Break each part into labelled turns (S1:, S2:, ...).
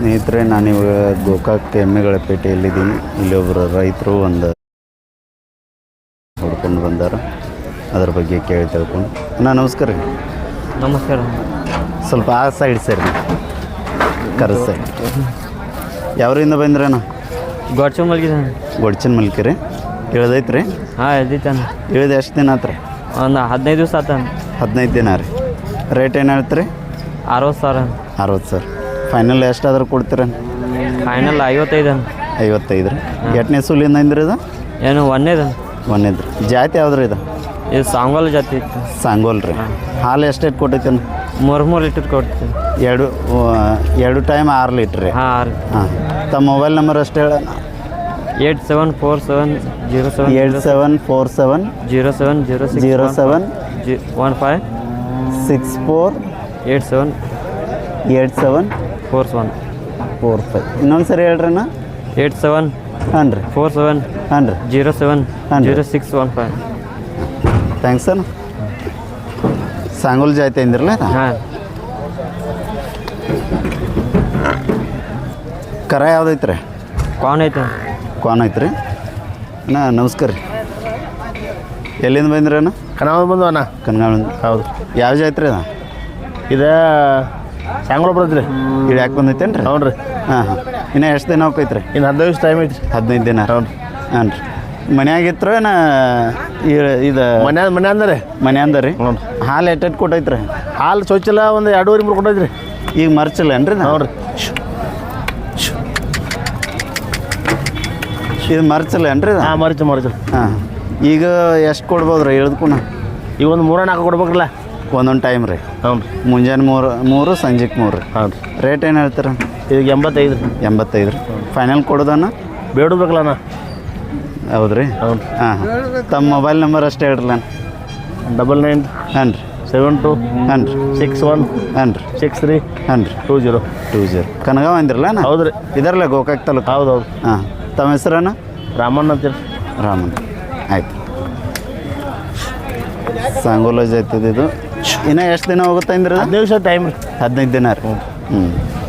S1: ಸ್ನೇಹಿತರೆ, ನಾನಿವಾಗ ಗೋಕಾಕ್ ಎಮ್ಮೆಗಳ ಪೇಟೆಯಲ್ಲಿದ್ದೀನಿ. ಇಲ್ಲಿ ಒಬ್ಬರು ರೈತರು ಒಂದು ಹೊಡ್ಕೊಂಡು ಬಂದಾರ, ಅದ್ರ ಬಗ್ಗೆ ಕೇಳಿ ತಿಳ್ಕೊಂಡು. ನಮಸ್ಕಾರ ರೀ.
S2: ನಮಸ್ಕಾರ.
S1: ಸ್ವಲ್ಪ ಆ ಸೈಡ್ ಸರಿ, ಕರೆಸ್ ಸೈಡ್. ಯಾವ್ರಿಂದ ಬಂದ್ರಣ್ಣ?
S2: ಗೊಡ್ಚನ್ ಮಲ್ಕಿದ್ದಾನೆ.
S1: ಗೊಡ್ಚನ್ ಮಲ್ಕಿ ರೀ. ಇಳ್ದೈತೆ ರೀ?
S2: ಹಾಂ, ಎದ್ದಿತ್ತಾನ.
S1: ಇಳಿದು ಎಷ್ಟು ದಿನ ಆತ್ರಿ?
S2: ಒಂದು 15 ದಿವಸ ಆತಾನ.
S1: 15 ದಿನ ರೀ. ರೇಟ್ ಏನು ಹೇಳ್ತೀರಿ?
S2: 60,000.
S1: 60,000. ಫೈನಲ್ ಎಷ್ಟಾದ್ರೂ ಕೊಡ್ತೀರ?
S2: ಫೈನಲ್ 55.
S1: 55 ರೀ. ಎಷ್ಟನೇ ಸೂಲಿಂದ ಅಂದ್ರಿ ಇದು?
S2: ಏನು ಒಂದೇದ.
S1: ಒಂದೇದು ರೀ. ಜಾತಿ ಯಾವ್ದು ರೀ ಇದು?
S2: ಇದು ಸಾಂಗೋಲ್ ಜಾತಿ ಇತ್ತು.
S1: ಸಾಂಗೋಲ್ ರೀ. ಹಾಲು ಎಷ್ಟೆಷ್ಟು ಕೊಟ್ಟೈತೆ?
S2: 3 ಲೀಟರ್ ಕೊಡ್ತೀವಿ.
S1: ಎರಡು ಟೈಮ್ 6 ಲೀಟ್ರ್ ರೀ.
S2: ಹಾಂ.
S1: ಹಾಂ. ತಮ್ಮ ಮೊಬೈಲ್ ನಂಬರ್ ಅಷ್ಟು ಹೇಳ.
S2: 8747 07
S1: 8747
S2: 07
S1: 07
S2: 15
S1: 64
S2: 87
S1: 87
S2: 41
S1: 45. ಇನ್ನೊಂದು ಸರಿ ಹೇಳ್ರಣ್ಣ.
S2: 87
S1: ಹಾಂ ರೀ.
S2: 47
S1: ಹಾಂ ರೀ.
S2: 07
S1: ಹಾಂ ರೀ.
S2: 0615.
S1: ಥ್ಯಾಂಕ್ಸ್ ಅಣ್ಣ. ಸಾಂಗೋಲ್ ಜಾತಿ ಅಂದಿರಲ್ಲ?
S2: ಹಾಂ.
S1: ಕರ ಯಾವ್ದೈತೆ ರೀ?
S2: ಕಾನ್ ಐತೆ.
S1: ಕಾನ್ ಐತೆ ರೀ. ಅಣ್ಣ ನಮಸ್ಕಾರ ರೀ. ಎಲ್ಲಿಂದ ಬಂದ್ರಿ ಅಣ್ಣ?
S3: ಕನ್ನಡ ಬಂದು ಅಣ್ಣ.
S1: ಕನ್ಗಾಳ.
S3: ಹೌದು.
S1: ಯಾವ ಜಾತ್ರೆ ಅದ
S3: ಇದು? ಸಾಂಗೋಳ ಬರ್ತೈತೆ ರೀ.
S1: ಇದು ಯಾಕೆ ಬಂದೈತೇನು ರೀ?
S3: ಹ್ಞೂ ರೀ.
S1: ಹಾಂ ಹಾಂ. ಇನ್ನು ಎಷ್ಟು ದಿನ ಹೋಗೈತೆ ರೀ?
S3: ಇನ್ನು 15 ದಿವಸ ಟೈಮ್ ಐತಿ ರೀ.
S1: 15 ದಿನ.
S3: ಹ್ಞೂ ರೀ.
S1: ಹಾಂ ರೀ. ಮನ್ಯಾಗಿತ್ತು ಏನ ಇದು?
S3: ಮನೆ ಅಂದ್ರೆ
S1: ಮನೆ ಅಂದ ರೀ.
S3: ಹ್ಞೂ.
S1: ಹಾಲು ಎಟ್ಟೆಟ್ಟು ಕೊಟ್ಟೈತೆ ರೀ?
S3: ಹಾಲು ಚೊಚ್ಚಲ ಒಂದು 2.5-3 ಕೊಟ್ಟೈತೆ ರೀ.
S1: ಈಗ ಮರ್ಚಿಲ್ಲ ಏನ್ರಿ?
S3: ಹ್ಞೂ ರೀ.
S1: ಇದು ಮರ್ಚಿಲ್ಲ ಏನ್ರಿ?
S3: ಹಾಂ, ಮರಿಚು.
S1: ಹಾಂ. ಈಗ ಎಷ್ಟು ಕೊಡ್ಬೋದು ರೀ ಇಳ್ದುಕೂನ?
S3: ಈಗ ಒಂದು 3-4 ಕೊಡ್ಬೇಕಲ್ಲ
S1: ಒಂದೊಂದು ಟೈಮ್ ರೀ.
S3: ಹ್ಞೂ ರೀ.
S1: ಮುಂಜಾನೆ 3 ಸಂಜೆಗೆ 3 ರೀ.
S3: ಹೌದು.
S1: ರೇಟ್ ಏನು ಹೇಳ್ತೀರ?
S3: ಈಗ 85 ರೀ.
S1: 85 ರೀ. ಫೈನಲ್ ಕೊಡೋದನ್ನ
S3: ಬೇಡಬೇಕಲ್ಲ ಅಣ್ಣ.
S1: ಹೌದು ರೀ.
S3: ಹೌದು.
S1: ಹಾಂ ಹಾಂ. ತಮ್ಮ ಮೊಬೈಲ್ ನಂಬರ್ ಅಷ್ಟೇ ಹೇಳ್ರಲ್ಲ.
S3: 99
S1: ಹಾಂ ರೀ.
S3: 72
S1: ಹಾಂ ರೀ.
S3: 61
S1: ಹಾಂ ರೀ.
S3: 63
S1: ಹಾಂ ರೀ.
S3: 20
S1: ಕನಗಾವ್ ಅಂದಿರಲ್ಲ?
S3: ಹೌದು ರೀ.
S1: ಇದರಲ್ಲ ಗೋಕಾಕ್ ತಾಲೂಕು.
S3: ಹೌದು.
S1: ಹಾಂ. ತಮ್ಮ ಹೆಸರನ್ನ?
S3: ರಾಮಣ್ಣ ಅಂತೀರಿ.
S1: ರಾಮನ್. ಆಯ್ತು. ಸಾಂಗೋಲ ಜಾತಿದು ಇದು. ಇನ್ನೂ ಎಷ್ಟು ದಿನ ಹೋಗುತ್ತೆ ಅಂದ್ರೆ?
S3: 15 ದಿವಸ ಟೈಮ್ ರೀ.
S1: 15 ದಿನ ರೀ. ಹ್ಞೂ.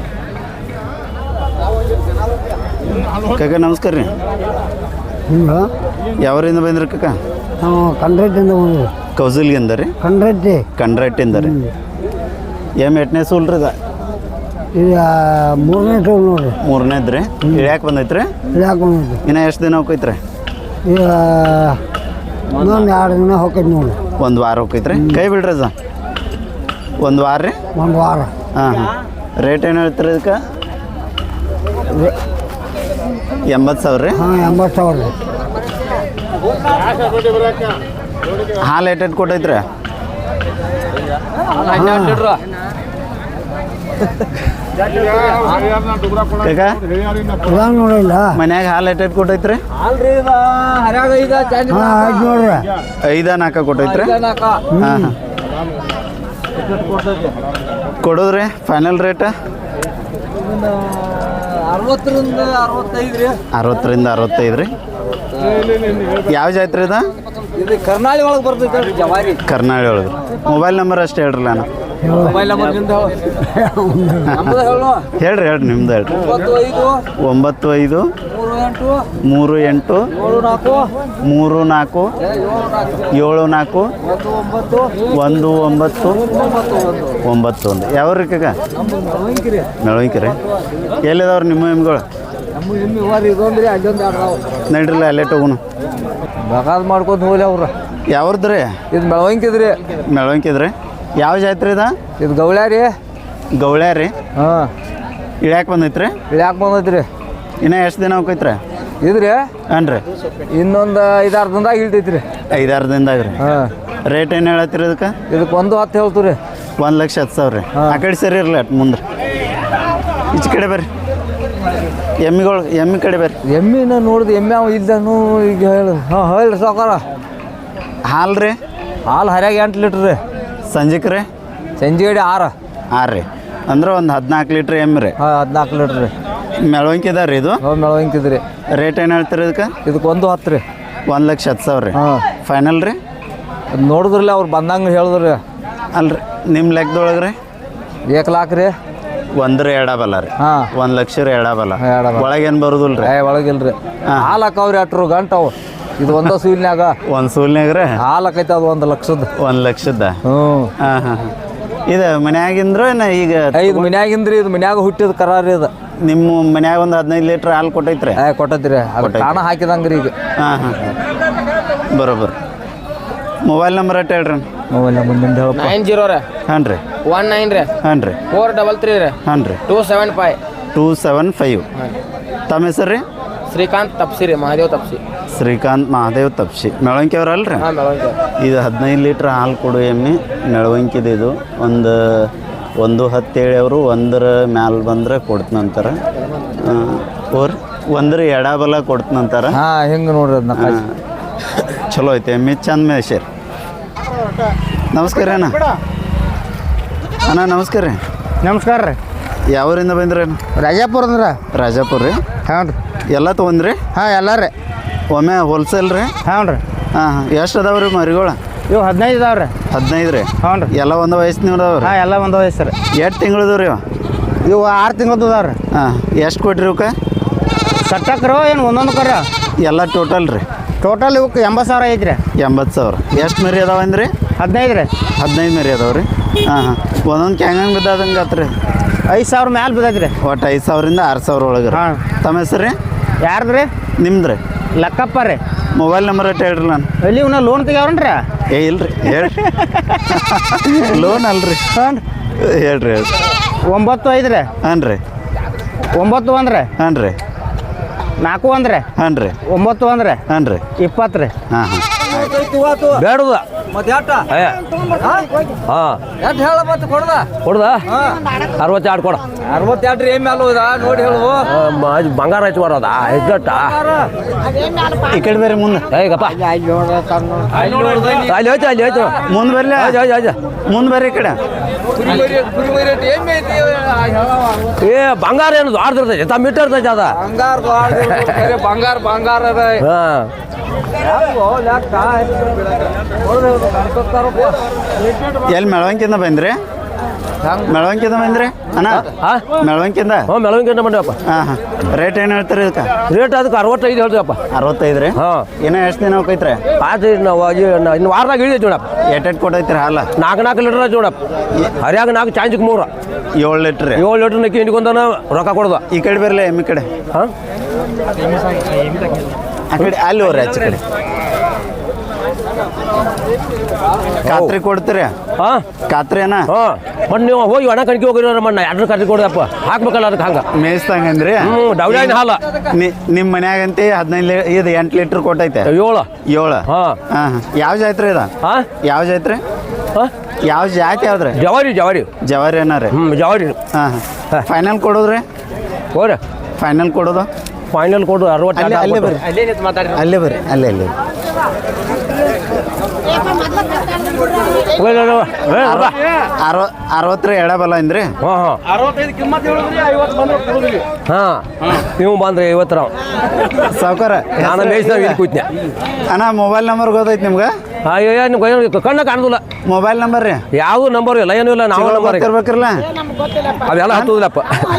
S1: ಕಾಕ ನಮಸ್ಕಾರ ರೀ. ಯಾವರಿಂದ ಬಂದ್ರಿ ಕಾಕ?
S4: ಕಂಡ್ರೆಟ್ಟಿಂದ ಬಂದ್ರಿ.
S1: ಕೌಸಲ್ಗಿಂದ ರೀ? ಕಂಡ್ರೆಟ್ಟಿಂದ ರೀ. ಎಷ್ಟನೇ ಸೂಲ್ ರೀ?
S4: ಇದು 3ನೇ ಟೂಲ್ ನೋಡ್ರಿ.
S1: 3ನೇದು ರೀ. ಇಳ್ಯಾಕೆ ಬಂದೈತೆ ರೀ?
S4: ಬಂದೈತಿ.
S1: ಇನ್ನೂ ಎಷ್ಟು ದಿನ ಹೋಗೈತೆ ರೀ?
S4: ಈಗ ಇನ್ನೊಂದು 2 ದಿನ ಹೋಗ್ತೈತಿ ನೋಡ್ರಿ.
S1: 1 ವಾರ ಹೋಗೈತೆ ರೀ. ಕೈ ಬಿಡ್ರಿ ಅದ 1 ವಾರ ರೀ.
S4: 1 ವಾರ.
S1: ಹಾಂ ಹಾಂ. ರೇಟ್ ಏನು ಹೇಳ್ತೀರಿ ಇದಕ್ಕೆ? 80,000 ರೀ.
S4: ಹಾಂ, 80,000 ರೀ.
S1: ಹಾಲು ಎಟ್ಟೆಟ್ಟು ಕೊಟ್ಟೈತ್ರಿ?
S4: ನೋಡಿಲ್ಲ.
S1: ಮನ್ಯಾಗ ಹಾಲು ಎಟ್ಟೆಟ್ಟು ಕೊಟ್ಟೈತ್ರಿ?
S4: ನೋಡ್ರಿ
S1: 5-4 ಕೊಟ್ಟೈತ್ರಿ. ಹಾಂ ಹಾಂ. ಕೊಡೋದ್ರಿ ಫೈನಲ್ ರೇಟ್? 60ರಿಂದ 65 ರೀ. ಯಾವ ಜಾತ್ರೆ ಇದು?
S2: ಕರ್ನಾಳಿ ಒಳಗೆ ಬರ್ತೈತೆ. ಜವಾರಿ
S1: ಕರ್ನಾಳಿ ಒಳಗೆ. ಮೊಬೈಲ್ ನಂಬರ್ ಅಷ್ಟೇ ಹೇಳ್ರಲ್ಲ ನಾನು.
S2: ಮೊಬೈಲ್ ನಂಬರ್
S1: ಹೇಳ್ರಿ ನಿಮ್ದು ಹೇಳ್ರಿ. 95 38 34 74 1991. ಯಾವ್ರಿ ಕಾಕ? ಮೆಳವಂಕಿ ರೀ. ಎಲ್ಲಿದಾವ್ರಿ ನಿಮ್ಮ ಎಮ್ಮೆಗಳು? ನಡ್ರಿಲ್ಲ ಅಲ್ಲೇ ತಗೋಣ.
S2: ಬೇಕಾದ್ ಮಾಡ್ಕೊಂಡು ಹೋಗ್ಲಿ ಅವ್ರು.
S1: ಯಾವ್ದು ರೀ?
S2: ಇದು ಮೆಳವಂಕಿದ್ರಿ.
S1: ಮೆಳವಂಕಿದ್ರಿ. ಯಾವ ಜಾತ್ರೆ ಇದು?
S2: ಇದು ಗೌಳ್ಯಾ ರೀ.
S1: ಗೌಳ್ಯಾ ರೀ.
S2: ಹಾಂ.
S1: ಇಳ್ಯಾಕೆ ಬಂದೈತ್ರಿ?
S2: ಇಳ್ಯಾಕೆ ಬಂದೈತ್ರಿ.
S1: ಇನ್ನೂ ಎಷ್ಟು ದಿನ ಹೋಗೈತ್ರಿ?
S2: ಇದ್ರಿ
S1: ಹಾಂ ರೀ.
S2: ಇನ್ನೊಂದು 5-6 ದಿನದಾಗ ಇಳ್ತೈತ್ರಿ.
S1: 5-6 ದಿನದಾಗ ರೀ. ಹಾಂ. ರೇಟ್ ಏನು ಹೇಳತ್ತೀರಿ ಇದಕ್ಕೆ?
S2: ಇದಕ್ಕೆ 1.10 ಹೇಳ್ತೀವಿ ರೀ.
S1: 1,10,000 ರೀ. ಆ ಕಡೆ ಸರಿ ಇರಲಿ ಅಟ್ ಮುಂದೆ. ಈಚೆ ಕಡೆ ಬರ್ರಿ. ಎಮ್ಮೆ ಕಡೆ ಬರ್ರಿ.
S2: ಎಮ್ಮಿನ ನೋಡಿದ್ ಎಮ್ಮೆ ಅವ ಇದ್ದಾನು ಈಗ ಹೇಳಿ. ಹಾಂ ಹೇಳ್ರಿ ಸಾವ್ಕಾರ.
S1: ಹಾಲು ರೀ?
S2: ಹಾಲು ಹರ್ಯಾಗ 8 ಲೀಟ್ರ್ ರೀ.
S1: ಸಂಜೆಗೆ ರೀ?
S2: ಸಂಜೆ 6
S1: ರೀ. ಅಂದ್ರೆ ಒಂದು 14 ಲೀಟ್ರ್ ಎಮ್ಮೆ ರೀ.
S2: ಹಾಂ, 14 ಲೀಟ್ರ್ ರೀ.
S1: ಮೆಳವಂಕಿ ಇದಾವೆ ರೀ ಇದು?
S2: ಹಾಂ, ಮೆಳವಂಕಿದ್ರಿ.
S1: ರೇಟ್ ಏನು ಹೇಳ್ತೀರಿ ಇದಕ್ಕೆ?
S2: ಇದಕ್ಕೆ 1.10 ರೀ.
S1: 1,10,000 ರೀ.
S2: ಹಾಂ.
S1: ಫೈನಲ್ ರೀ?
S2: ನೋಡಿದ್ರಲ್ಲ ಅವ್ರು ಬಂದಂಗೆ ಹೇಳಿದ್ರಿ.
S1: ಅಲ್ರಿ ನಿಮ್ಮ ಲೆಕ್ಕದೊಳಗೆ ರೀ?
S2: 1 ಲಕ್ಷ ರೀ.
S1: ಒಂದ್ರ ಎಡಬಲ್ಲ ರೀ
S2: ಹಾಂ
S1: 1 ಲಕ್ಷ ರೀ ಎಡಬಲ್ಲ
S2: ಎಡಬಲ.
S1: ಒಳಗೇನು ಬರೋದಿಲ್ಲ ರೀ
S2: ಒಳಗಿಲ್ರಿ ಹಾಲು ಹಾಕವ್ರಿ ಅಟ್ರು ಗಂಟವು ಇದು ಒಂದ ಸೂಲಿನಾಗ
S1: ಒಂದು ಸೂಲ್ನಾಗ ರೀ
S2: ಹಾಲು ಹಾಕೈತೆ ಅದು 1 ಲಕ್ಷದ
S1: 1 ಲಕ್ಷದ
S2: ಹ್ಞೂ
S1: ಹಾಂ ಹಾಂ ಇದು ಮನ್ಯಾಗಿಂದ್ರ ಈಗ
S2: ಇದು ಮನ್ಯಾಗಿಂದ್ರಿ ಇದು ಮನ್ಯಾಗ ಹುಟ್ಟಿದ ಕರಾರಿ ಇದು
S1: ನಿಮ್ಮ ಮನ್ಯಾಗ ಒಂದು 15 ಲೀಟ್ರ್ ಹಾಲು ಕೊಟ್ಟೈತ್ರಿ
S2: ಕೊಟ್ಟದ್ರಿ ಅದು ಕಾಣ ಹಾಕಿದಂಗ್ರಿ ಈಗ
S1: ಹಾಂ ಹಾಂ ಬರೋಬ್ಬರ ಮೊಬೈಲ್ ನಂಬರ್ ಅಟ್ ಹೇಳ್ರಿ
S2: ಮೊಬೈಲ್ ಮುಂದಿನ ಹೇಳಪ್ಪ
S5: 90 ರೀ
S1: ಹಾಂ ರೀ
S5: 19 ರೀ
S1: ಹಾಂ ರೀ
S5: 433 ರೀ
S1: ಹಾಂ ರೀ
S5: 275
S1: 275 ತಮ್ಮ ಹೆಸರು ರೀ
S5: ಶ್ರೀಕಾಂತ್ ತಪ್ಸಿ ರೀ ಮಹಾದೇವ್ ತಪ್ಸಿ
S1: ಶ್ರೀಕಾಂತ್ ಮಹಾದೇವ್ ತಪ್ಸಿ ಮೆಳವಂಕಿ ಅವ್ರಲ್ರಿ
S5: ಹಾಂ ಬೆಳಗ್ಗೆ
S1: ಇದು 15 ಲೀಟ್ರ್ ಹಾಲು ಕೊಡು ಎಮ್ಮೆ ಮೆಳವಂಕಿದು ಇದು ಒಂದು 110 ಅವರು ಒಂದರ ಮ್ಯಾಲ ಬಂದ್ರೆ ಕೊಡ್ತನಂತಾರ ಓರ್ ಒಂದ್ರ ಎಡಬಲ ಕೊಡ್ತನಂತಾರ
S2: ಹಾಂ ಹೆಂಗೆ ನೋಡ್ರಿ ಅದನ್ನ
S1: ಚಲೋ ಐತೆ ಎಮ್ಮೆ ಚಂದ ಮೇಶರ್ ನಮಸ್ಕಾರ ರೀ ಅಣ್ಣ ನಮಸ್ಕಾರ ರೀ
S4: ನಮಸ್ಕಾರ ರೀ
S1: ಯಾವೂರಿಂದ ಬಂದ್ರಿ
S4: ರಾಜಾಪುರ ಅಂದ್ರೆ
S1: ರಾಜಾಪುರ ರೀ
S4: ಹಾಂ ರೀ
S1: ಎಲ್ಲ ತೊಗೊಂಡ್ರಿ
S4: ಹಾಂ ಎಲ್ಲ ರೀ
S1: ಒಮ್ಮೆ ಹೋಲ್ಸೇಲ್ ರೀ
S4: ಹಾಂ ರೀ
S1: ಹಾಂ ಹಾಂ ಎಷ್ಟು ಅದಾವ ರೀ ಮರಿಗಳು
S4: ಇವು 15 ಇದಾವೆ ರೀ
S1: 15 ರೀ
S4: ಹ್ಞೂ ರೀ
S1: ಎಲ್ಲ ಒಂದು ವಯಸ್ಸಿನವ್ರು ಅದಾವ ರೀ
S4: ಹಾಂ ಎಲ್ಲ ಒಂದು ವಯಸ್ಸು ರೀ
S1: ಎಷ್ಟು ತಿಂಗಳದು ರೀ
S4: ಇವು 6 ತಿಂಗಳದ್ದು ಇದಾವೆ ರೀ
S1: ಹಾಂ ಎಷ್ಟು ಕೊಟ್ರಿ ಇವಕ್ಕೆ
S4: ಸಟ್ಟಕ್ರು ಏನು ಒಂದೊಂದು ಕರ
S1: ಎಲ್ಲ ಟೋಟಲ್ ರೀ
S4: ಟೋಟಲ್ ಇವಕ್ಕೆ 80,000 ಐತಿ ರೀ
S1: 80,000 ಎಷ್ಟು ಮರಿ ಅದಾವ ಅಂದ್ರಿ
S4: 15 ರೀ
S1: 15 ಮರಿ ಅದಾವ ರೀ ಹಾಂ ಹಾಂ ಒಂದೊಂದು ಕ್ಯಾಂಗಂಗೆ ಬಿದ್ದಾದಂಗೆ ಆತ್ರಿ
S4: 5,000 ಮ್ಯಾಲೆ ಬಿದ್ದೈತಿ ರೀ
S1: ಒಟ್ಟು 5,000ರಿಂದ 6,000 ಒಳಗೆ ರೀ
S4: ಹಾಂ.
S1: ತಮ್ಮ ಹೆಸರು ರೀ
S4: ಯಾರ್ದು ರೀ
S1: ನಿಮ್ದು ರೀ
S4: ಲೆಕ್ಕಪ್ಪ ರೀ
S1: ಮೊಬೈಲ್ ನಂಬರ್ ಅಟ್ ಹೇಳ್ರಿ ನಾನು
S4: ಎಲ್ಲಿ ಇವನ್ನ ಲೋನ್ ತೆಗ್ಯಾವ್ರನ್ರಿ
S1: ಏ ಇಲ್ರಿ ಹೇಳ್ರಿ ಲೋನ್ ಅಲ್ರಿ
S4: ಹಾಂ
S1: ಹೇಳ್ರಿ ಹೇಳ್ರಿ
S4: 9-5 ರೀ
S1: ಹಾಂ ರೀ
S4: 9-1 ರೀ
S1: ಹಾಂ ರೀ
S4: 4-1 ರೀ
S1: ಹಾಂ ರೀ
S4: 9-1 ರೀ
S1: ಹಾಂ ರೀ
S4: 20 ರೀ
S1: ಹಾಂ ಹಾಂ
S3: ಬೇಡದ
S2: ಮತ್ತೆ ಎಟ್ಟ
S3: ಹಾಂ
S2: ಎಟ್ ಹೇಳ ಮತ್ತೆ ಕೊಡ್ದ
S3: ಕೊಡ್ದ 62 ಕೊಡ
S2: 62 ರೀ ಎಮ್ಮೆ ಅಲ್ಲ ನೋಡಿ ಹೇಳು
S3: ಬಂಗಾರ ಹೆಚ್ಚು ಬರೋದ ಹೆಚ್ಚಟ
S1: ಈ ಕಡೆ ಬೇರೆ ಮುಂದೆ
S3: ಹೇಗಪ್ಪ ಅಲ್ಲಿ ಹೋಯ್ತು ಅಲ್ಲಿ ಹೋಯ್ತು
S1: ಮುಂದೆ ಬರ್ಲಿ ಮುಂದೆ ಬರ್ರಿ ಈ ಕಡೆ
S3: ಏ ಬಂಗಾರ ಏನು ಆಡ್ದಿರ್ತೈತಿ ತಮ್ಮ ಇಟ್ಟಿರ್ತೈತಿ ಅದ
S2: ಬಂಗಾರ ಬಂಗಾರ ಅದ
S3: ಹಾಂ
S1: ಎಲ್ಲಿ ಮೆಳವಂಕಿಂದ ಬಂದ್ರಿ ಮೆಳವಂಕಿಂದ ಬಂದ್ರಿ ಅಣ್ಣ
S3: ಹಾಂ
S1: ಮೆಳವಂಕಿಂದ
S3: ಹ್ಞೂ ಮೆಳವಂಕಿಂದ ಬಂದಿವಪ್ಪ
S1: ಹಾಂ ಹಾಂ ರೇಟ್ ಏನು ಹೇಳ್ತೀರಿ ಇದಕ್ಕೆ
S3: ರೇಟ್ ಅದಕ್ಕೆ 65 ಹೇಳ್ತೀವಪ್ಪ
S1: 65 ರೀ
S3: ಹಾಂ
S1: ಇನ್ನೂ ಎಷ್ಟು ದಿನ ಹೋಗೈತ್ರಿ
S3: ಆಯ್ತು ನಾವು ಇನ್ನು ವಾರದಾಗ ಇಳಿದೈತಿ ನೋಡಪ್ಪ
S1: ಎಟ್ಟೆಟ್ ಕೊಟ್ಟೈತ್ರಿ ಹಾಲು
S3: 4 ಲೀಟ್ರ್ ಐತಿ ನೋಡಪ್ಪ ಹರಿಯಾಗ 4 ಚಾಂಜಿಗೆ 3
S1: 7 ಲೀಟ್ರ್ ರೀ
S3: 7 ಲೀಟ್ರ್ ನಕ್ಕಿ ಹಿಂಡ್ಕೊಂಡನ ರೊಕ್ಕ ಕೊಡ್ದ
S1: ಈ ಕಡೆ ಬರಲಿ ಎಮ್ಮಿ ಕಡೆ
S3: ಹಾಂ
S1: ಆ ಕಡೆ ಅಲ್ಲಿ ಹೋಗ್ರಿ ಆಚೆ ಕಡೆ ಖಾತ್ರಿ ಕೊಡ್ತೀರಿ
S3: ಹಾಂ
S1: ಖಾತ್ರಿ ಅಣ್ಣ
S3: ಹಾಂ ಮತ್ತು ನೀವು ಹೋಗಿ ಒಣ ಕಣ್ಕಿ ಹೋಗಿರೋ ಮಣ್ಣ ಎರಡು ಕಟ್ಟಿ ಕೊಡಪ್ಪ ಹಾಕ್ಬೇಕಲ್ಲ ಅದಕ್ಕೆ ಹಂಗೆ
S1: ಮೇಯ್ಸ್ತಂಗಂದ್ರಿ
S3: ಹ್ಞೂ ಡೌಲಿನ ಹಾಲು
S1: ನಿಮ್ಮ ಮನ್ಯಾಗಂತಿ 15 ಇದು 8 ಲೀಟ್ರ್ ಕೊಟ್ಟೈತೆ
S3: 7
S1: 7
S3: ಹಾಂ
S1: ಹಾಂ ಯಾವ ಜಾತ್ರೆ ಇದ
S3: ಹಾಂ
S1: ಯಾವ ಜಾತ್ರೆ
S3: ಹಾಂ
S1: ಯಾವ ಜಾತಿ ಯಾವ್ದ್ರಿ
S3: ಜವಾರಿ ಜವಾರಿ
S1: ಜವಾರಿ ಏನಾರ
S3: ಹ್ಞೂ ಜವಾರಿ
S1: ಹಾಂ ಹಾಂ ಫೈನಲ್ ಕೊಡೋದ್ರಿ
S3: ಹೋರಿ
S1: ಫೈನಲ್ ಕೊಡೋದು
S3: ಫೈನಲ್ ಕೊಡು 60
S1: ಅಲ್ಲೇ ಅಲ್ಲೇ ಬರ್ರಿ ಅಲ್ಲೇ ಬರ್ರಿ ಅಲ್ಲೇ ಅಲ್ಲೇ
S3: ಹಾಂ
S1: 60 ಎಡಬಲ ಅಂದ್ರಿ
S3: ಹಾಂ
S2: 65 ಕಿಮ್ಮತ್ ಹೇಳಿದ್ರಿ 50 ಬಂದ್ರೆ ಕೊಡುದಿಲ್ಲ
S3: ಹಾಂ ನೀವು ಬಂದ್ರೆ 50
S1: ಸಾವ್ಕಾರ
S3: ನಾನು ಮೇಯ್ಸ್ತಾವ ಇಲ್ಲಿ ಕೂತ್ನೆ
S1: ಅಣ್ಣ ಮೊಬೈಲ್ ನಂಬರ್ ಗೊತ್ತೈತಿ ನಿಮ್ಗೆ
S3: ಅಯ್ಯೋ ನಿಮ್ಗೆ ಕಣ್ಣ ಕಾಣೋದಿಲ್ಲ
S1: ಮೊಬೈಲ್ ನಂಬರ್ ರೀ
S3: ಯಾವುದು ನಂಬರ್ ಇಲ್ಲ ಏನೂ ಇಲ್ಲ ನಾವು ನಂಬರ್
S1: ಗೊತ್ತಿರ್ಬೇಕ್ರಲ್ಲ
S3: ಅವೆಲ್ಲ ಹತ್ತುದಿಲ್ಲಪ್ಪ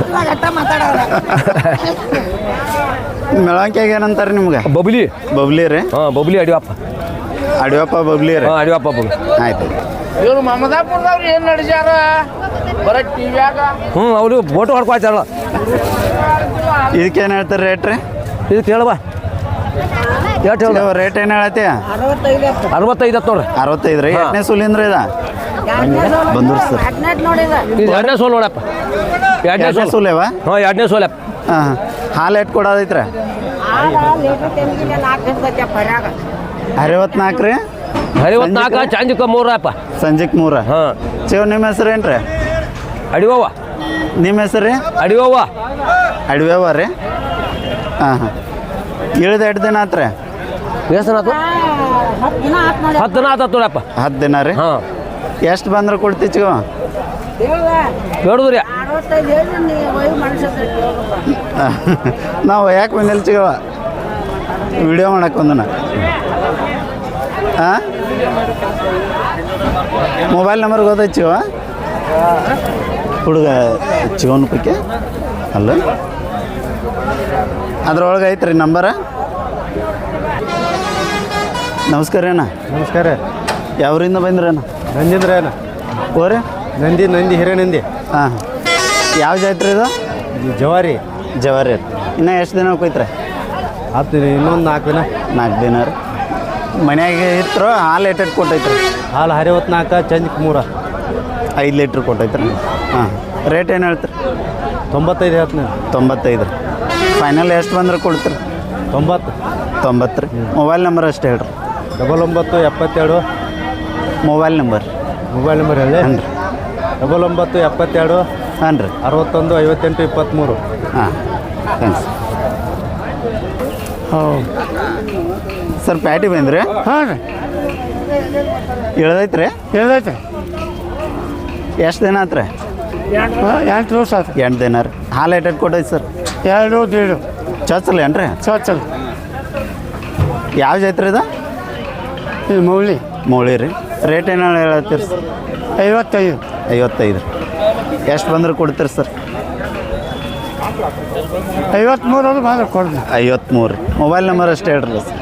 S1: ಮೆಳವಂಕ್ಯಾಗ ಏನಂತಾರೆ ನಿಮ್ಗೆ
S3: ಬಬ್ಲಿ
S1: ಬಬ್ಲಿ ರೀ
S3: ಹಾಂ ಬಬ್ಲಿ ಅಡಿವಪ್ಪ
S1: ಅಡಿಯಪ್ಪ ಬಬ್ಲಿ ರೀ
S3: ಹಾಂ ಅಡಿವಪ್ಪ ಬಬ್ಲಿ
S1: ಆಯ್ತು
S5: ಇವ್ರು ಮಮದಾಪುರದವ್ರು ಏನು ನಡೆಸ್ಯಾರ ಬರೀ ಟಿವ್ಯಾಗ
S3: ಹ್ಞೂ ಅವರು ಫೋಟೋ ಹೊಡ್ಕೊಳ್ತಾರಲ್ಲ
S1: ಇದಕ್ಕೇನು ಹೇಳ್ತಾರೆ ರೇಟ್ ರೀ
S3: ಇದಕ್ಕೆ ಹೇಳವಾ ಎಷ್ಟು ಹೇಳ
S1: ರೇಟ್ ಏನು ಹೇಳತ್ತಿ
S3: 65 ಹತ್ತು ನೋಡ್ರಿ
S1: 65 ರೀ ಎಷ್ಟನೇ ಸುಲಿಂದ್ರ ಇದ ಬಂದ್ರು ಸರ್
S3: ಇದು 2ನೇ ಸೋಲ್ ನೋಡಪ್ಪ 2ನೇ
S1: ಎಷ್ಟನೇ
S3: ಸೋಲ್
S1: ಸುಲೇವ
S3: ಹಾಂ 2ನೇ ಸೋಲಪ್ಪ
S1: ಹಾಂ ಹಾಲು ಎಟ್ಟು ಕೊಡೋದೈತ್ರಿ 64 ರೀ
S3: 54 ಚಾಂಜಿಕ 3 ಅಪ್ಪ
S1: ಸಂಜೆಗೆ 3
S3: ಹಾಂ
S1: ಚಿವ್ ನಿಮ್ಮ ಹೆಸರು ಏನು ರೀ
S3: ಅಡಿವವ್ವ
S1: ನಿಮ್ಮ ಹೆಸರು ರೀ
S3: ಅಡಿವವ್ವ
S1: ಅಡಿವ್ಯವ ರೀ ಹಾಂ ಹಾಂ ಇಳಿದ 2 ದಿನ ಆತ್ರಿ
S3: ಎಷ್ಟನಾತು 10 ದಿನ ಆತತ್ ನೋಡಪ್ಪ
S1: 10 ದಿನ ರೀ
S3: ಹಾಂ
S1: ಎಷ್ಟು ಬಂದ್ರೆ ಕೊಡ್ತಿ ಚಿಗವ
S3: ಹೇಳುದ್ರಿ
S1: ನಾವು ಯಾಕೆ ಬಂದಿಲ್ಲ ಚಿಗವ ವಿಡಿಯೋ ಮಾಡಕ್ಕೆ ಬಂದನ ಹಾಂ ಮೊಬೈಲ್ ನಂಬರ್ ಗೊತ್ತೈತಿ ಚಿಗವ ಹುಡುಗ ಚಿಗೋನ್ಪಕ್ಕೆ ಅಲ್ಲ ಅದ್ರೊಳಗೆ ಐತ್ರಿ ನಂಬರ. ನಮಸ್ಕಾರ ಅಣ್ಣ.
S2: ನಮಸ್ಕಾರ.
S1: ಯಾವ್ರಿಂದ ಬಂದ್ರಣ್ಣ?
S2: ನಂದಿಂದ್ರ ಏನ
S1: ಓರಿ
S2: ನಂದಿ ಹಿರೇನಂದಿ.
S1: ಹಾಂ ಯಾವ ಜಾತ್ರೆ ಇದು?
S2: ಜವಾರಿ
S1: ಜವಾರಿ. ಇನ್ನೂ ಎಷ್ಟು ದಿನ ಹೋಗ್ತೈತ್ರಿ?
S2: ಹತ್ತು ಇನ್ನೊಂದು 4 ದಿನ.
S1: 4 ದಿನ ರೀ. ಮನ್ಯಾಗೆ ಇತ್ತು ಹಾಲು ಏಟೆಟ್ ಕೊಟ್ಟೈತ್ರಿ?
S2: ಹಾಲು 64 ಚಂದಕ್ಕೆ 3
S1: 5 ಲೀಟ್ರ್ ಕೊಟ್ಟೈತ್ರಿ. ಹಾಂ ರೇಟ್ ಏನು ಹೇಳ್ತೀರಿ?
S2: 95 ಹೇಳ್ತೀನಿ.
S1: 95 ರೀ. ಫೈನಲ್ ಎಷ್ಟು ಬಂದ್ರೆ ಕೊಡ್ತೀರಿ? 90 ರೀ. ಮೊಬೈಲ್ ನಂಬರ್ ಅಷ್ಟೇ ಹೇಳ್ರಿ.
S2: 9972
S1: ಮೊಬೈಲ್ ನಂಬರ್
S2: ಹೇಳಿ.
S1: ಹಾಂ ರೀ.
S2: 9972
S1: ಹಾಂ ರೀ.
S2: 61 58 23.
S1: ಹಾಂ ಥ್ಯಾಂಕ್ಸ್. ಸರ್ ಪ್ಯಾಟಿ ಬಂದ್ರಿ?
S4: ಹಾಂ ರೀ
S1: ಇಳ್ದೈತ್ರಿ?
S4: ಹೇಳ್ದೈತೆ.
S1: ಎಷ್ಟು ದಿನ ಆತ್ರಿ?
S4: 8 ದಿವಸ ಆಯ್ತು.
S1: 8 ದಿನ ರೀ. ಹಾಲು ಏಟೆಟ್ ಕೊಟ್ಟೈತೆ ಸರ್?
S4: 2 1.5
S1: ಚೊಚ್ಚಲ್ ಏನ್ರಿ?
S4: ಚೊಚ್ಚಲ್.
S1: ಯಾವ ಜಾತ್ರೆ ಇದು?
S4: ಇದು ಮೌಳಿ.
S1: ಮೌಳಿ ರೀ. ರೇಟ್ ಏನು ಹೇಳತ್ತೀರಿ ಸರ್?
S4: 55.
S1: 55 ರೀ. ಎಷ್ಟು ಬಂದ್ರೆ ಕೊಡ್ತೀರಿ ಸರ್?
S4: 53 ಅದು ಮಾತ್ರ ಕೊಡ್ತೀನಿ.
S1: 53 ರೀ. ಮೊಬೈಲ್ ನಂಬರ್ ಅಷ್ಟೇ ಹೇಳ್ರಲ್ಲ ಸರ್.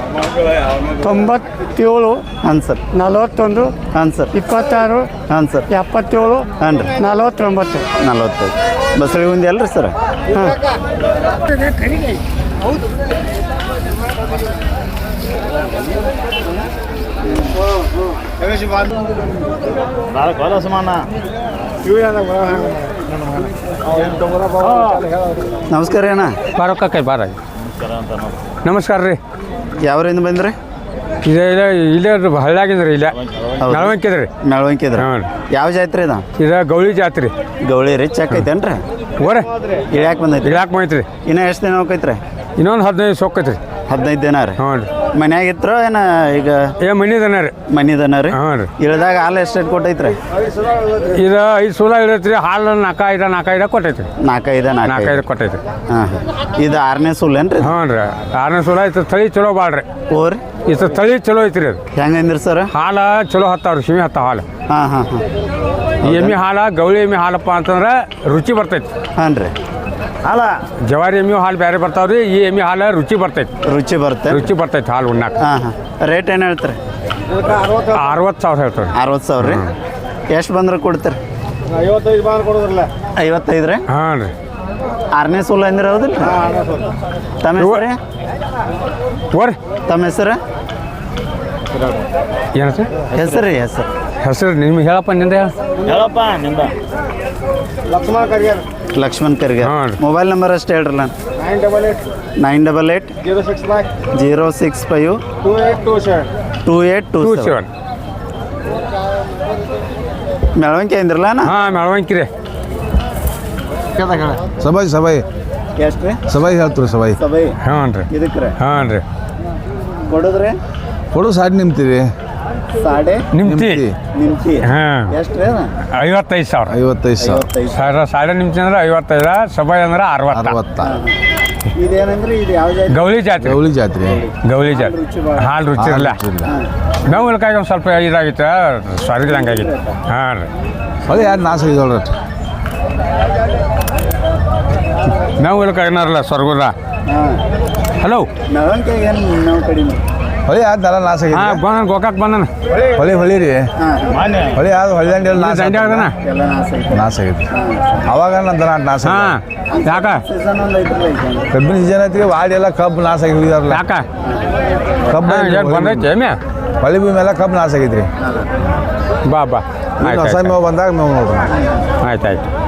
S4: 97
S1: ಹಾಂ ಸರ್.
S4: 41
S1: ಹಾಂ ಸರ್.
S4: 26
S1: ಹಾಂ ಸರ್.
S4: 77
S1: ಹಾಂ ರೀ.
S4: 49.
S1: 45 ಬಸ್ರಿಗೆ ಒಂದು ಅಲ್ರಿ ಸರ್?
S4: ಹಾಂ
S1: ನಮಸ್ಕಾರ ಅಣ್ಣ.
S3: ಬಾರಕ್ಕ ಬಾರ. ನಮಸ್ಕಾರ ರೀ.
S1: ಯಾವ್ರಿಂದ ಬಂದ್ರಿ?
S3: ಇಲ್ಲೇ ಹಳ್ಳಿಯಾಗಿಂದ್ರಿ. ಇಲ್ಲೇ ನಳವಂಕಿದ್ರಿ.
S1: ಮೆಳವಂಕಿದ್ರಿ.
S3: ಹಾಂ.
S1: ಯಾವ ಜಾತ್ರೆ ಇದು?
S3: ಗೌಳಿ ಜಾತ್ರೆ.
S1: ಗೌಳಿ ರೀ. ಚೆಕ್ ಐತೇನ್ರಿ?
S3: ಓರೆ
S1: ಇಳ್ಯಾಕೆ ಬಂದೈತಿ?
S3: ಇಳಾಕ್ ಬಂದೈತ್ರಿ.
S1: ಇನ್ನೂ ಎಷ್ಟು ದಿನ ಹೋಗೈತ್ರಿ?
S3: ಇನ್ನೊಂದು 15 ಸೊಕ್ಕೈತ್ರಿ.
S1: 15 ದಿನ ರೀ.
S3: ಹ್ಞೂ ರೀ.
S1: ಮನ್ಯಾಗ ಇತ್ರ ಏನ ಈಗ?
S3: ಮನಿದನ ರೀ.
S1: ಮನಿದನ ರೀ.
S3: ಹಾಂ ರೀ.
S1: ಇಳ್ದಾಗ ಹಾಲು ಎಷ್ಟು ಕೊಟ್ಟೈತ್ರಿ?
S3: ಇದು 5 ಸೂಲ ಇಳತ್ರಿ. ಹಾಲು 4 ಕೊಟ್ಟೈತ್ರಿ.
S1: 4
S3: ಕೊಟ್ಟೈತ್ರಿ.
S1: ಹಾಂ ಹಾಂ. ಇದು 6ನೇ ಸೂಲ್ ಏನ್ರಿ?
S3: ಹ್ಞೂ ರೀ. 6ನೇ ಸೂಲ ಐತೆ. ತಳಿ ಚಲೋ ಬಾಳ್ರಿ.
S1: ಓರಿ
S3: ಇದು ತಳಿ ಚಲೋ ಐತ್ರಿ. ಅದು
S1: ಹೆಂಗಂದ್ರಿ ಸರ್?
S3: ಹಾಲು ಚಲೋ ಹತ್ತಾವ್ರಿ. ಸಿಮಿ ಹತ್ತಾವ ಹಾಲು.
S1: ಹಾಂ ಹಾಂ ಹಾಂ.
S3: ಎಮ್ಮೆ ಹಾಲು ಗೌಳಿ ಎಮ್ಮೆ ಹಾಲಪ್ಪ ಅಂತಂದ್ರೆ ರುಚಿ ಬರ್ತೈತಿ.
S1: ಹಾಂ ರೀ.
S3: ಹಾಲ ಜವಾರಿ ಎಮ್ಮೆ ಹಾಲು ಬೇರೆ ಬರ್ತಾವ್ರಿ. ಈ ಎಮ್ಮೆ ಹಾಲು ರುಚಿ ಬರ್ತೈತಿ.
S1: ರುಚಿ ಬರ್ತೈತೆ
S3: ಹಾಲು ಉಣ್ಣಾಕ.
S1: ಹಾಂ ಹಾಂ. ರೇಟ್ ಏನು ಹೇಳ್ತೀರಿ?
S3: 60,000 ಹೇಳ್ತಾರೆ.
S1: 60,000 ರೀ. ಎಷ್ಟು ಬಂದ್ರೆ ಕೊಡ್ತೀರಿ? 55 ರೀ.
S3: ಹಾಂ ರೀ.
S1: 6ನೇ ಸೂಲ್ ಅಂದ್ರೆ ಹೌದಿಲ್ಲ? ತಮ್ಮ ಹೆಸರು ರೀ?
S3: ಓರಿ
S1: ತಮ್ಮ ಹೆಸರು?
S3: ಏನು ಸರ್
S1: ಹೆಸರು ರೀ?
S3: ಹೆಸರು ನಿಮ್ಗೆ ಹೇಳಪ್ಪ. ನಿಂದ
S1: ಲಕ್ಷ್ಮಣ್ ಕರ್ಗೆ.
S3: ಹಾಂ ರೀ.
S1: ಮೊಬೈಲ್ ನಂಬರ್ ಅಷ್ಟೇ ಹೇಳ್ರಲ್ಲ. 988 065 2827. ಮೆಳವಂಕಿ ಅಂದ್ರಲ್ಲ ಅಣ್ಣ?
S3: ಹಾಂ ಮೆಳವಂಕಿ ರೀ.
S2: ಸಬಾಯಿ
S1: ಎಷ್ಟು ರೀ?
S2: ಸಬಾಯಿ ಹೇಳ್ತೀರಿ. ಸಬಾಯಿ
S3: ಹ್ಞೂ ರೀ.
S1: ಇದಕ್ಕೆ ರೀ
S3: ಹಾಂ ರೀ.
S1: ಕೊಡೋದ್ರಿ?
S2: ಕೊಡು ಸಾಡಿ ನಿಮ್ತೀರಿ.
S1: ಸಾಡೆ
S3: ನಿಮ್ತಿ. ಹಾಂ.
S1: ಎಷ್ಟು ರೀ?
S3: 55,000.
S2: 55,000.
S3: ಸಾಡೆ ನಿಮ್ತಿ ಅಂದ್ರೆ 55. ಸಬಾಯಿ ಅಂದ್ರೆ 60.
S1: ಇದೇನಂದ್ರೆ ಇದು ಯಾವ ಜಾತಿ?
S3: ಗೌಳಿ ಜಾತ್ರೆ. ಗೌಳಿ ಜಾತ್ರೆ. ಹಾಲು ರುಚಿ ಇರಲ್ಲ. ನಾವು ಇಲ್ಕಾಗಿ ಒಂದು ಸ್ವಲ್ಪ ಇದಾಗಿತ್ತು. ಸ್ವರ್ಗದಂಗೆ ಆಗಿತ್ತು. ಹಾಂ ರೀ.
S2: ಅದೇ ಯಾರು ನಾಶ ಇದ್ದೋಳ್ರಿ.
S3: ನಾವು ಇಲ್ಕಾಗಿನಾರಲ್ಲ ಸ್ವರ್ಗದ. ಹಲೋ
S1: ಮೆಳವಂಕಿಗೆ ಏನು ನಾವು ಕಡಿಮೆ?
S2: ಹೊಳಿ ಯಾರು ದರ ನಾಶ ಆಗಿದೆ.
S3: ಹಾಂ ಬಂದನ. ಗೋಕಾಕ್ ಬಂದನ.
S2: ಹೊಳಿ ರೀ. ಹೊಳಿ ಯಾವ್ದು ಹೊಳಿ ದಂಡೆಯಲ್ಲಿ
S3: ದಂಡೆ ಆಗದನ.
S1: ಎಲ್ಲ
S2: ನಾಶ ಆಗೈತಿ. ಅವಾಗ ನನ್ನ ದರ ನಾಶ.
S3: ಹಾಂ. ಯಾಕ?
S1: ಸೀಸನ್ ಒಂದು ಐತ್ರಲ್ಲ ಈಗ.
S2: ಕಬ್ಬಿನ ಸೀಸನ್ ಐತಿ. ವಾಡಿ ಎಲ್ಲ ಕಬ್ಬು ನಾಶ ಆಗಿ ಹೋಗಿದಾರಲ್ಲ.
S3: ಯಾಕ?
S2: ಕಬ್ಬು
S3: ಬಂದೈತೆ ಏಮ್ಯಾ?
S2: ಹೊಳಿ ಭೂಮಿ ಎಲ್ಲ ಕಬ್ಬು ನಾಶ ಆಗೈತ್ರಿ.
S3: ಬಾ
S2: ಹೊಸ ಮೇವು ಬಂದಾಗ ಮೇವು ನೋಡ್ರಿ.
S3: ಆಯ್ತು.